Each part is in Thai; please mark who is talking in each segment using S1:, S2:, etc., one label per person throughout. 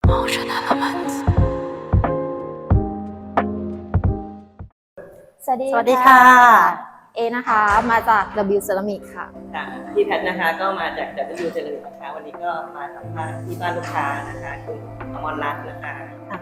S1: สวัสดี
S2: ค่ะ
S1: เอนะคะมาจาก W Ceramic ค่ะ
S2: พี่แพทนะคะก็มาจาก W Ceramic นะคะวันนี้ก็มาสัมภาษณ์ที่บ้านลูกค้านะคะคุณอมรรัตน์นะคะ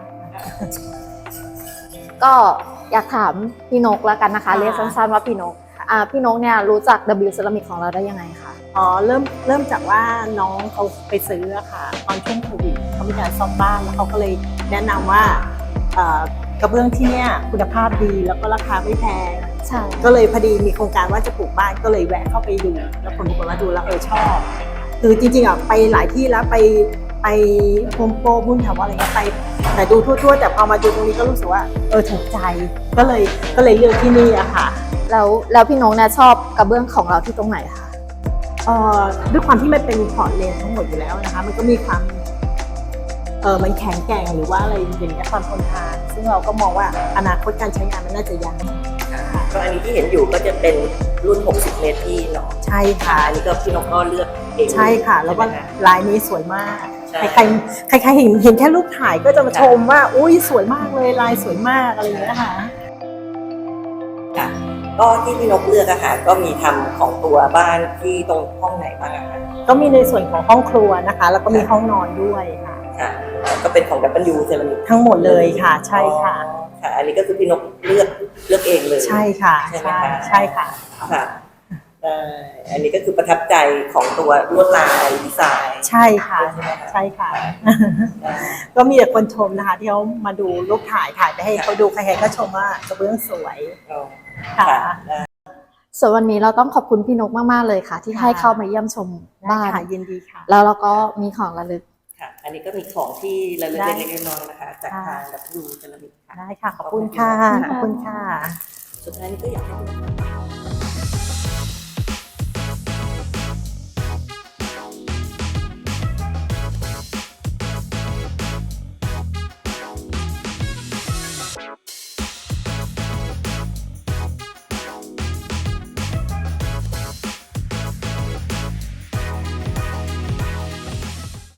S1: ก็อยากถามพี่นกแล้วกันนะคะเรียกสั้นๆว่าพี่นกพี่นกเนี่ยรู้จัก W Ceramic ของเราได้ยังไงคะ
S3: เริ่มจากว่าน้องเขาไปซื้อค่ะตอนช่วงโควิดเขามีการซ่อมบ้านแล้วเขาก็เลยแนะนำว่ากระเบื้องที่เนี่ยคุณภาพดีแล้วก็ราคาไม่แพง
S1: ใช่
S3: ก็เลยพอดีมีโครงการว่าจะปลูกบ้านก็เลยแวะเข้าไปดูแล้วผลปรากฏว่าดูแล้วชอบคือจริงๆไปหลายที่แล้วไปโฮมโปรบุญแถวอะไรเงี้ยไปแต่ดูทั่วๆแต่พอมาดูตรงนี้ก็รู้สึกว่าถูกใจก็เลยเลือกที่นี่อะค่ะ
S1: แล้วพี่นกเนี่ยชอบกระเบื้องของเราที่ตรงไหนคะ
S3: ด้วยความที่มันเป็นพอร์ตเลนทั้งหมดอยู่แล้วนะคะมันก็มีความมันแข็งแกร่งหรือว่าอะไรอย่างเงี้ยความทนทานซึ่งเราก็มองว่าอนาคตการใช้งานมันน่าจะยาว
S2: ก็อันนี้ที่เห็นอยู่ก็จะเป็นรุ่น60 เมตรที่เนาะ
S3: ใช่ค่ะ
S2: อันนี้ก็พี่นกก็เลือกเอง
S3: ใช่ค่ะแล้วก็ลายนี้สวยมากใครเห็นแค่รูปถ่ายก็จะมาชมว่าอุ้ยสวยมากเลยลายสวยมากอะไรอย่างเงี้ยค่ะ
S2: ก็ที่พี่นกเลือกอะค่ะก็มีทำของตัวบ้านที่ตรงห้องไหนบ้างอะคะ
S3: ก็มีในส่วนของห้องครัวนะคะแล้วก็มีห้องนอนด้วยค่ะ
S2: ก็เป็นของ W Ceramic
S3: ทั้งหมดเลยค่ะใช่ค่ะ
S2: ค่ะอันนี้ก็คือพี่นกเลือกเองเลย
S3: ใช่ค่ะใช่ค่ะ
S2: ค่ะอันนี้ก็คือประทับใจของตัวลวดลายดีไซน์
S3: ใช่ค่ะใช่ค่ะก็มีแต่คนชมนะคะที่เขามาดูรูปถ่ายไปให้เขาดูใครๆก็ชมว่ากระเบื้องสวยค่ะ
S1: ส่วนวันนี้เราต้องขอบคุณพี่นกมากๆเลยค่ะที่ให้เข้ามาเยี่ยมชมบ้าน
S3: ยินดีค่ะ
S1: แล้วเราก็มีของระลึก
S2: ค่ะอันนี้ก็มีของที่ระลึกเล็กๆน้อยๆนะคะจากทาง W Ceramic ค่ะ
S3: ได้ค่ะขอบคุณค่ะขอบคุณค่ะ
S2: สุดท้ายนี้ก็อยากให้